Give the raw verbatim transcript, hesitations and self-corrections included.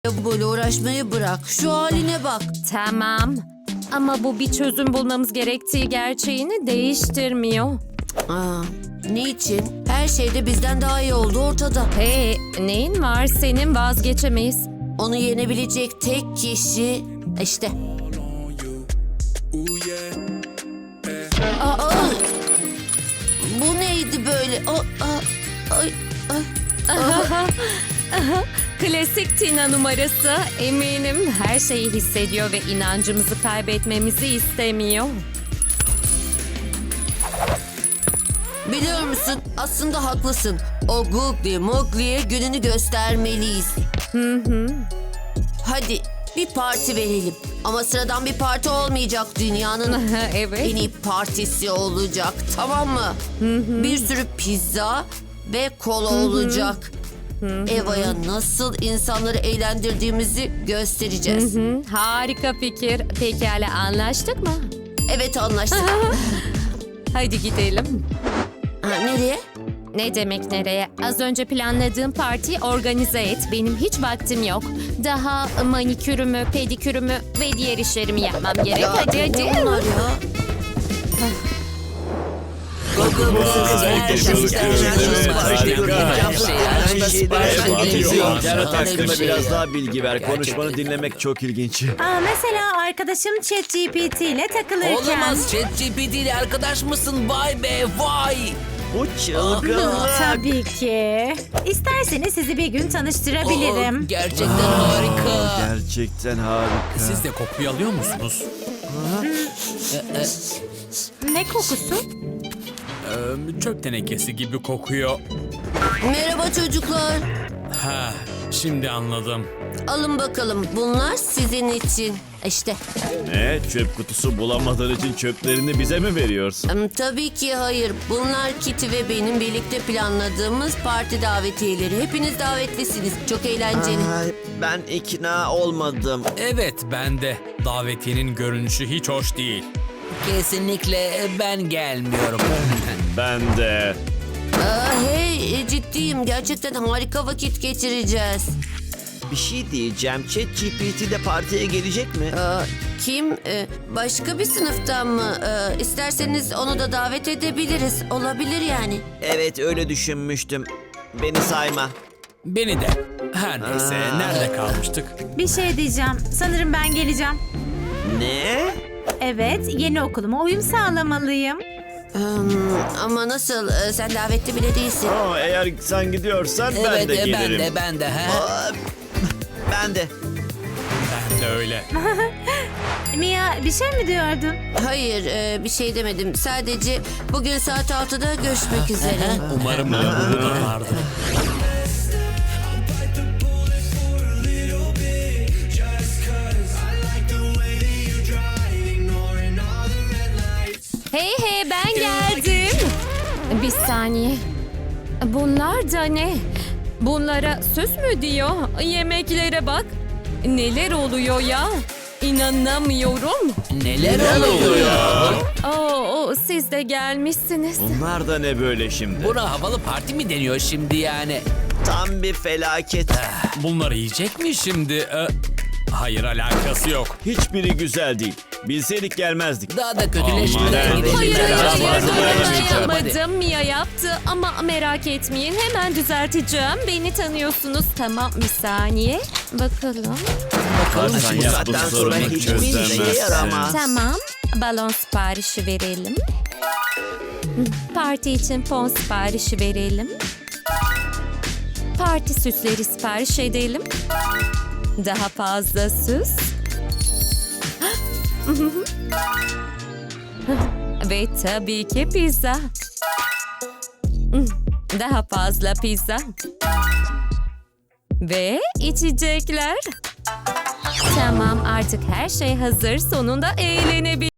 Böyle uğraşmayı bırak. Şu haline bak. Tamam. Ama bu bir çözüm bulmamız gerektiği gerçeğini değiştirmiyor. Aa, niçin? Her şeyde bizden daha iyi oldu ortada. Hey, neyin var senin, vazgeçemeyiz. Onu yenebilecek tek kişi işte. Aa, bu neydi böyle? Aa, aa, ay, ay. Klasik Tina numarası. Eminim her şeyi hissediyor ve inancımızı kaybetmemizi istemiyor. Biliyor musun? Aslında haklısın. O Googly Moogly'e gününü göstermeliyiz. Hı hı. Hadi bir parti verelim. Ama sıradan bir parti olmayacak, dünyanın Evet. en iyi partisi olacak, tamam mı? Bir sürü pizza ve kola olacak. Eva'ya nasıl insanları eğlendirdiğimizi göstereceğiz. Hı, harika fikir. Pekala, anlaştık mı? Evet, anlaştık. Hadi gidelim. Ha, nereye? Ne demek nereye? Az önce planladığım partiyi organize et. Benim hiç vaktim yok. Daha manikürümü, pedikürümü ve diğer işlerimi yapmam gerek. Ya, hadi hadi. ne bunlar ya? İnternet hakkında biraz daha bilgi ver. Konuşmanı dinlemek çok ilginç. Aa, mesela arkadaşım ChatGPT ile takılırken... Olamaz, ChatGPT ile arkadaş mısın? Vay be vay. Bu çılgınlık. Tabii ki. İsterseniz sizi bir gün tanıştırabilirim. Oo, gerçekten harika. Gerçekten harika. Siz de kokuyu alıyor musunuz? Ne kokusu? Ee, çöp tenekesi gibi kokuyor. Merhaba çocuklar. Ha, şimdi anladım. Alın bakalım, bunlar sizin için. İşte. Ne? Çöp kutusu bulamadığın için çöplerini bize mi veriyorsun? Em, Tabii ki hayır. Bunlar Kitty ve benim birlikte planladığımız parti davetiyeleri. Hepiniz davetlisiniz. Çok eğlenceli. Ay, ben ikna olmadım. Evet, ben de. Davetiyenin görünüşü hiç hoş değil. Kesinlikle ben gelmiyorum. Ben de. Aa, hey, e, ciddiyim. Gerçekten harika vakit geçireceğiz. Bir şey diyeceğim. ChatGPT de partiye gelecek mi? Aa, kim? Ee, başka bir sınıftan mı? Ee, isterseniz onu da davet edebiliriz. Olabilir yani. Evet, öyle düşünmüştüm. Beni sayma. Beni de. Her neyse, nerede kalmıştık? Bir şey diyeceğim. Sanırım ben geleceğim. Ne? Evet, yeni okuluma uyum sağlamalıyım. Hmm, ama nasıl? Ee, sen davetli bile değilsin. Aa, eğer sen gidiyorsan ben Evet, de e, ben gelirim. de, ben de. Ha? Aa, ben de. Ben de öyle. Mia, bir şey mi diyordun? Hayır, e, bir şey demedim. Sadece bugün saat altıda görüşmek üzere. Umarım lavabo da vardır. Hey hey, ben geldim. Bir saniye. Bunlar da ne? Bunlara süs mü diyor? Yemeklere bak. Neler oluyor ya? İnanamıyorum. Neler oluyor? Oo, siz de gelmişsiniz. Bunlar da ne böyle şimdi? Buna havalı parti mi deniyor şimdi yani? Tam bir felaket. Bunları yiyecek mi şimdi? Ee, hayır, alakası yok. Hiçbiri güzel değil. Bilseydik gelmezdik. Daha da kötüleşmeye Aman. gidelim. Hayır hayır Biraz hayır, fazla hayır, dayanmayacağım. yapmadım. Mia yaptı ama merak etmeyin, hemen düzelteceğim. Beni tanıyorsunuz. Tamam, bir saniye. Bakalım. Bakalım Sen şimdi. yap, saatten bu sonra sorunu hiçbir işe çözemezsin. yaramaz. Tamam. Balon siparişi verelim. Parti için fon siparişi verelim. Parti süsleri sipariş edelim. Daha fazla süs. Ve tabii ki pizza. Daha fazla pizza. Ve içecekler. Tamam, artık her şey hazır. Sonunda eğlenebiliriz.